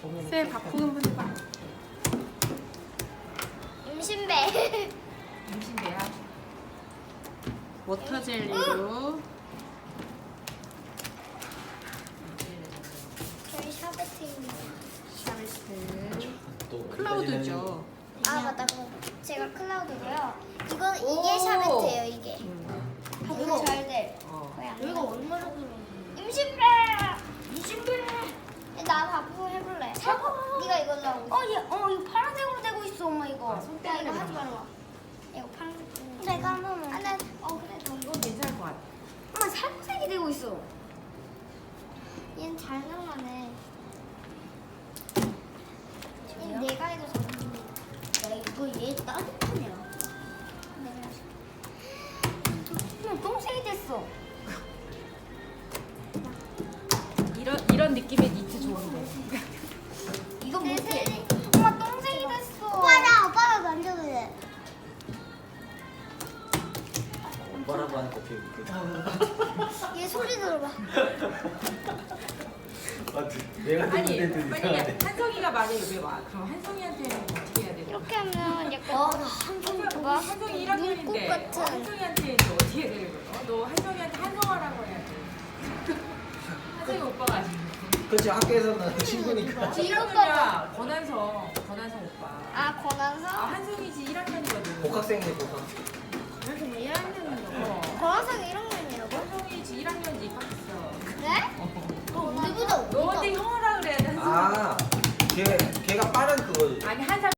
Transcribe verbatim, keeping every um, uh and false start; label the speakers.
Speaker 1: 쌤 바풍 한번 해봐.
Speaker 2: 임신배.
Speaker 1: 임신배야. 워터 젤리로.
Speaker 2: 저희 샤베트입니다.
Speaker 1: 샤베트.
Speaker 3: 또
Speaker 1: 클라우드죠.
Speaker 2: 아 맞다. 그거 제가 클라우드고요. 이건
Speaker 1: 오.
Speaker 2: 이게 샤베트예요. 이게.
Speaker 1: 음.
Speaker 2: 이거 잘 돼.
Speaker 1: 어.
Speaker 2: 여기가 얼마나 들어? 임신배. 임신배. 나 바쁘 해볼래. 해봐. 네가 이걸로 하고. 어, 얘, 어, 이거 파란색으로 되고 있어, 엄마 이거.
Speaker 1: 아, 손
Speaker 2: 야,
Speaker 1: 때문에
Speaker 2: 이거 하지
Speaker 1: 그런가?
Speaker 2: 말라. 이거 파란색. 내가 한 번만. 아, 나, 어 그래, 너.
Speaker 1: 이거 괜찮을 것 같아.
Speaker 2: 엄마 살구색이 되고 있어. 얘는 잘 나가네. 얘 내가 해도 잘 나가네. 야, 이거 얘 따뜻하냐? 내가 엄마 똥색이 됐어.
Speaker 1: 이런 이런 느낌의 니트 좋은데.
Speaker 2: 이거 뭐지? 엄마 똥색이 됐어. 오빠 나 오빠가 만져도 돼.
Speaker 3: 오빠라고 하니까 되게 웃겨.
Speaker 2: 얘 소리 들어봐.
Speaker 3: 아, 내가
Speaker 1: 아니
Speaker 3: 듣는데도
Speaker 1: 만약에
Speaker 3: 이상하네.
Speaker 1: 한성이가 만약에 여기 와. 그럼 한성이한테는 어떻게 해야 되나?
Speaker 2: 이렇게 하면 약간 어, 한번 봐봐.
Speaker 1: 한성이 일 학년인데
Speaker 2: 눈꽃 같은.
Speaker 1: 어, 한성이한테 이제 어떻게 해야 되는 거야? 어, 너 한성이한테 한성하라고 해야 돼. 한성이 오빠가 아니고.
Speaker 3: 그렇지, 학교에서는 친구니까.
Speaker 1: 일 학년이야. 권한성. 권한성 오빠.
Speaker 2: 아
Speaker 1: 아,
Speaker 2: 권한서?
Speaker 1: 한성이지 일 학년이거든.
Speaker 3: 복학생이네, 복학생.
Speaker 2: 그래서 뭐 일 학년인가?
Speaker 1: 어.
Speaker 2: 권한서가 일 학년이라고?
Speaker 1: 한성이지 일 학년인지 입학했어.
Speaker 2: 그래? 어, 우리보다
Speaker 1: 너한테 형이라 그래야 돼, 한성이.
Speaker 3: 아, 걔, 걔가 빠른 그거.
Speaker 1: 아니, 한 살.